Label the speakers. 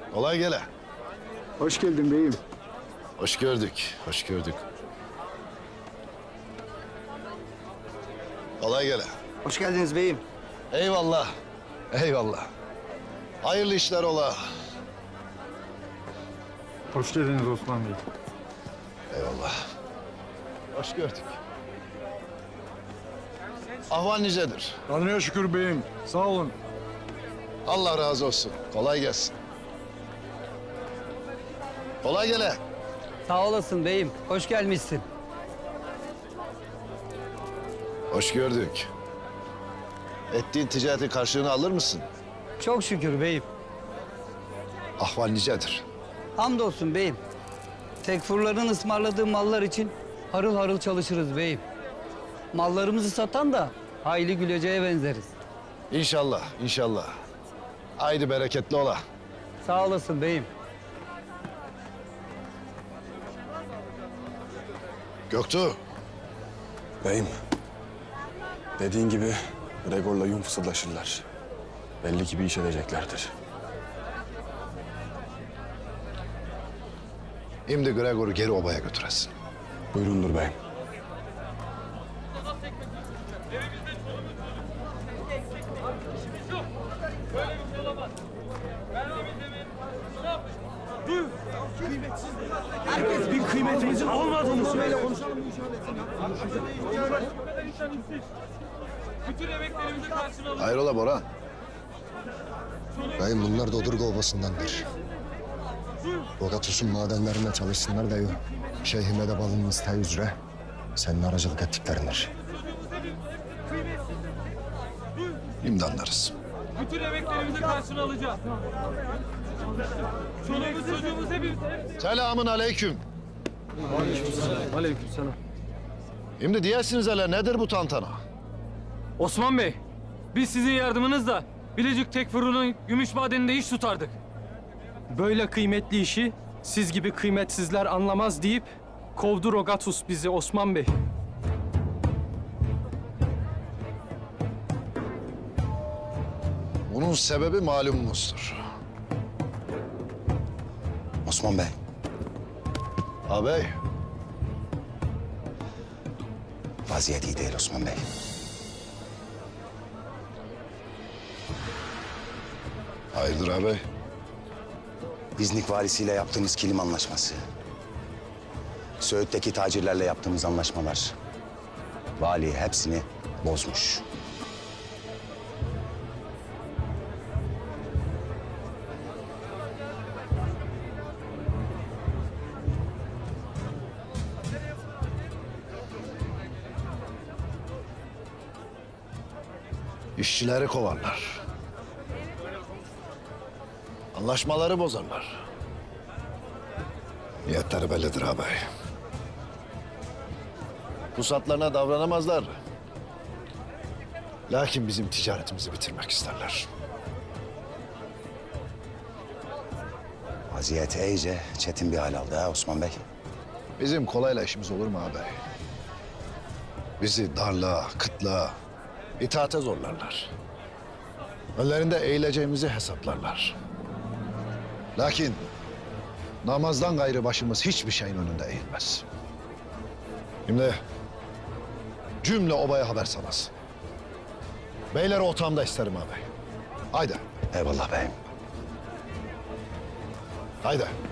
Speaker 1: Kolay gele.
Speaker 2: Hoş geldin beyim.
Speaker 1: Hoş gördük, hoş gördük. Kolay gele.
Speaker 3: Hoş geldiniz beyim.
Speaker 1: Eyvallah, eyvallah. Hayırlı işler ola.
Speaker 2: Hoş geldiniz Osman Bey.
Speaker 1: Eyvallah. Hoş gördük. Ahval nicedir?
Speaker 2: Tanrı'ya şükür beyim. Sağ olun.
Speaker 1: Allah razı olsun. Kolay gelsin. Kolay gele.
Speaker 4: Sağ olasın beyim. Hoş gelmişsin.
Speaker 1: Hoş gördük. Ettiğin ticaretin karşılığını alır mısın?
Speaker 4: Çok şükür beyim.
Speaker 1: Ahval nicedir?
Speaker 4: Hamdolsun beyim. Tekfurların ısmarladığı mallar için harıl harıl çalışırız beyim. Mallarımızı satan da hayli güleceğe benzeriz.
Speaker 1: İnşallah, inşallah. Haydi bereketli ola.
Speaker 4: Sağ olasın beyim.
Speaker 1: Göktuğ.
Speaker 5: Beyim, dediğin gibi Gregor'la Yum fısıldaşırlar. Belli ki bir iş edeceklerdir.
Speaker 1: Şimdi Gregor'u geri obaya götüresin.
Speaker 5: Buyurundur beyim.
Speaker 6: Bir kıymetimizin olmadığını söyle.
Speaker 7: Bütün emeklerimizi karşına alın.
Speaker 1: Hayrola Boran?
Speaker 8: Beyim bunlar Dodurga Obası'ndandır. Bogatus'un madenlerinde çalışsınlar diyor. Şeyhime de balının isteği üzere senin aracılık ettiklerindir.
Speaker 1: Şimdi anlarız.
Speaker 7: Bütün emeklerimizi karşına alacağız. Çoluğumuz çocuğumuz hepimiz.
Speaker 1: Selamun aleyküm.
Speaker 6: Aleykümselam.
Speaker 1: Şimdi diyesiniz hele nedir bu tantana?
Speaker 7: Osman Bey, biz sizin yardımınızla Bilecik Tekfuru'nun gümüş madeninde iş tutardık.
Speaker 6: Böyle kıymetli işi siz gibi kıymetsizler anlamaz deyip kovdu Rogatus bizi Osman Bey.
Speaker 1: Bunun sebebi malumunuzdur.
Speaker 8: Osman Bey,
Speaker 1: Ağabey,
Speaker 8: vaziyet iyi değil Osman Bey.
Speaker 1: hayırdır ağabey?
Speaker 8: İznik valisiyle yaptığımız kilim anlaşması. Söğüt'teki tacirlerle yaptığımız anlaşmalar. Vali hepsini bozmuş.
Speaker 1: İşçileri kovarlar. Anlaşmaları bozarlar. Niyetleri bellidir ağabey. Pusatlarına davranamazlar. Lakin bizim ticaretimizi bitirmek isterler.
Speaker 8: Vaziyet iyice çetin bir hal aldı ha Osman Bey.
Speaker 1: Bizim kolayla işimiz olur mu ağabey? Bizi darlığa, kıtlığa, itaate zorlarlar. Önlerinde eğileceğimizi hesaplarlar. Lakin namazdan gayrı başımız hiçbir şeyin önünde eğilmez. Şimdi cümle obaya haber salasın. Beyleri otağımda isterim ağabey. Haydi,
Speaker 8: Eyvallah beyim.
Speaker 1: haydi.